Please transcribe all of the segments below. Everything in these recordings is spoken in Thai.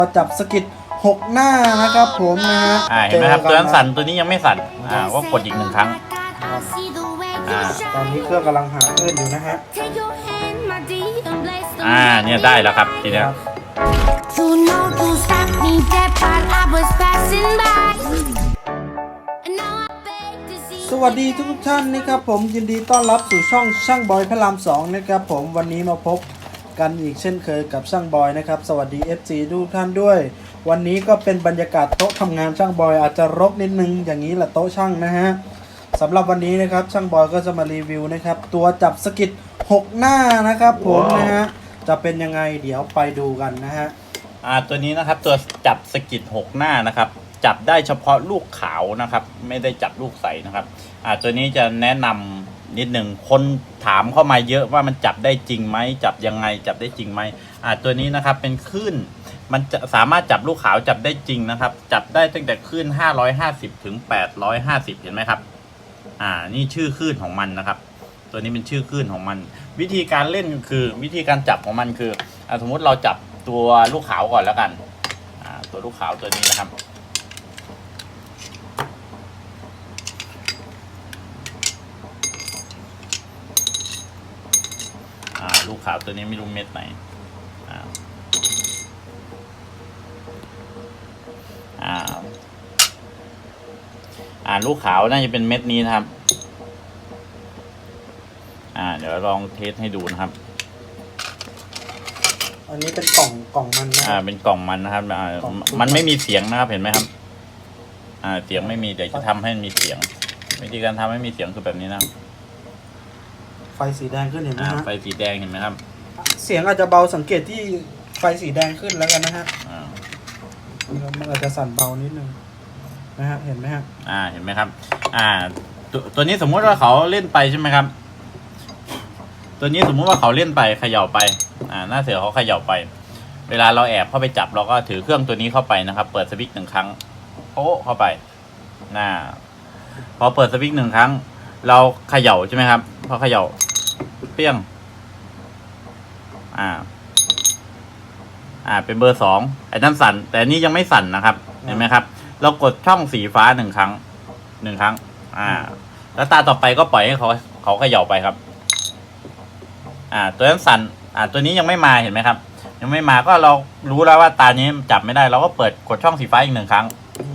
จับสกิด6 หน้านะครับผมนะฮะเห็นไหมครับตัวนั้นสั่นตัวนี้ยังไม่สั่นก็กดอีก1 ครั้งตอนนี้เครื่องกำลังหาคลื่นอยู่นะฮะเนี่ยได้แล้วครับทีนี้สวัสดีทุกท่านนะครับผมยินดีต้อนรับสู่ช่องช่างบอยพระราม2นะครับผมวันนี้มาพบกันอีกเช่นเคยกับช่างบอยนะครับสวัสดี FC ทุกท่านด้วยวันนี้ก็เป็นบรรยากาศโต๊ะทำงานช่างบอยอาจจะรกนิดนึงอย่างนี้แหละโต๊ะช่างนะฮะสำหรับวันนี้นะครับช่างบอยก็จะมารีวิวนะครับตัวจับสกิด6 หน้านะครับผมนะฮะจะเป็นยังไงเดี๋ยวไปดูกันนะฮะตัวนี้นะครับตัวจับสกิด6 หน้านะครับจับได้เฉพาะลูกขาวนะครับไม่ได้จับลูกใสนะครับตัวนี้จะแนะนำนิดหนึ่งคนถามเข้ามาเยอะว่ามันจับได้จริงไหมจับยังไงจับได้จริงไหมตัวนี้นะครับเป็นคลื่นมันจะสามารถจับลูกขาวจับได้จริงนะครับจับได้ตั้งแต่คลื่น550ถึง850เห็นไหมครับนี่ชื่อคลื่นของมันนะครับตัวนี้เป็นชื่อคลื่นของมันวิธีการเล่นคือวิธีการจับของมันคือสมมุติเราจับตัวลูกขาวก่อนแล้วกันตัวลูกขาวตัวนี้นะครับลูกขาวตัวนี้ไม่รู้เม็ดไหนลูกขาวน่าจะเป็นเม็ดนี้นะครับเดี๋ยวลองเทสให้ดูนะครับอันนี้เป็นกล่องมันนะเป็นกล่องมันนะครับมันไม่มีเสียงนะครับเห็นไหมครับเสียงไม่มีเดี๋ยวจะทำให้มีเสียงวิธีการทำให้มีเสียงคือแบบนี้นะไฟสีแดงขึ้นเห็นไหมฮะไฟสีแดงเห็นไหมครับเสียงอาจจะเบาสังเกตที่ไฟสีแดงขึ้นแล้วกันนะฮะมันอาจจะสั่นเบานิดนึงนะฮะเห็นไหมฮะเห็นไหมครับตัวนี้สมมุติว่าเขาเล่นไปใช่ไหมครับตัวนี้สมมุติว่าเขาเล่นไปเขย่าไปหน้าเสือเขาเขย่าไปเวลาเราแอบเข้าไปจับเราก็ถือเครื่องตัวนี้เข้าไปนะครับเปิดสวิตช์1 ครั้งโอ้เข้าไปพอเปิดสวิตช์1 ครั้งเราเขย่าใช่ไหมครับพอเขย่าเปี้ยงเป็นเบอร์2ไอ้นั่นสั่นแต่นี้ยังไม่สั่นนะครับเห็นไหมครับเรากดช่องสีฟ้า1 ครั้งแล้วตาต่อไปก็ปล่อยให้เขาเขย่าไปครับตัวนั้นสั่นตัวนี้ยังไม่มาเห็นไหมครับยังไม่มาก็เรารู้แล้วว่าตานี้จับไม่ได้เราก็เปิดกดช่องสีฟ้าอีก1 ครั้ง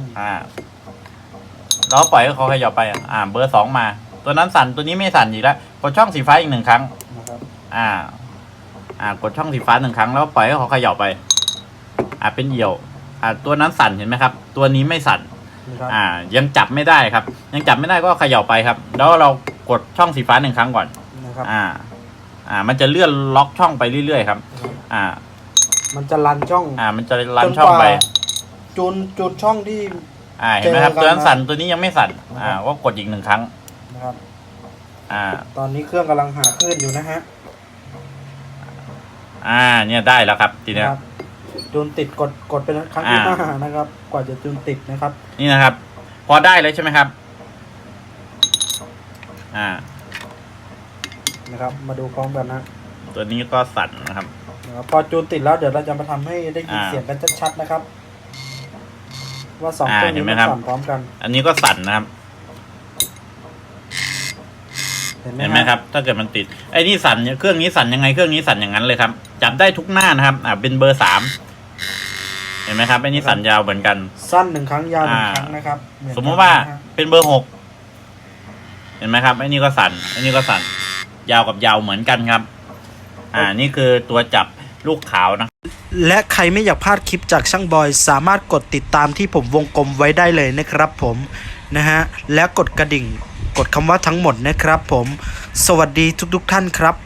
เราปล่อยให้เขาเขย่าไปเบอร์2มาตัวนั้นสั่นตัวนี้ไม่สั่นอีกแล้วกดช่องสีฟ้าอีก1 ครั้งกดช่องสีฟ้า1 ครั้งแล้วปล่อยให้เขาเขย่าไปเป็นเหี่ยวตัวนั้นสั่นเห็นไหมครับตัวนี้ไม่สั่นยังจับไม่ได้ครับยังจับไม่ได้ก็เขย่าไปครับแล้วเรากดช่องสีฟ้า1 ครั้งก่อนมันจะเลื่อนล็อกช่องไปเรื่อยๆครับมันจะรันช่องมันจะรันช่องไปจุดช่องที่เห็นไหมครับตัวนั้นสั่นตัวนี้ยังไม่สั่นก็กดอีก1 ครั้งนะครับตอนนี้เครื่องกำลังหาคลื่นอยู่นะฮะเนี่ยได้แล้วครับทีนี้จูนติดกดเป็นครั้งที่5นะครับกว่าจะจูนติดนะครับนี่นะครับพอได้เลยใช่ไหมครับนะครับมาดูพร้อมกันนะตัวนี้ก็สั่นนะครับพอจูนติดแล้วเดี๋ยวเราจะมาทำให้ได้ยินเสียงกันชัดๆนะครับว่า2เครื่องนี้มันสั่นพร้อมกันอันนี้ก็สั่นนะครับเห็นไหมครับถ้าเกิดมันติดไอ้นี่สั่นเครื่องนี้สั่นยังไงเครื่องนี้สั่นอย่างนั้นเลยครับจับได้ทุกหน้านะครับเป็นเบอร์3เห็นไหมครับไอ้นี่สั่นยาวเหมือนกันสั้น1 ครั้งยาว1 ครั้งนะครับสมมติว่าเป็นเบอร์6เห็นไหมครับไอ้นี่ก็สั่นไอ้นี่ก็สั่นยาวกับยาวเหมือนกันครับนี่คือตัวจับลูกขาวนะและใครไม่อยากพลาดคลิปจากช่างบอยสามารถกดติดตามที่ผมวงกลมไว้ได้เลยนะครับผมนะฮะและกดกระดิ่งกดคำว่าทั้งหมดนะครับผมสวัสดีทุกท่านครับ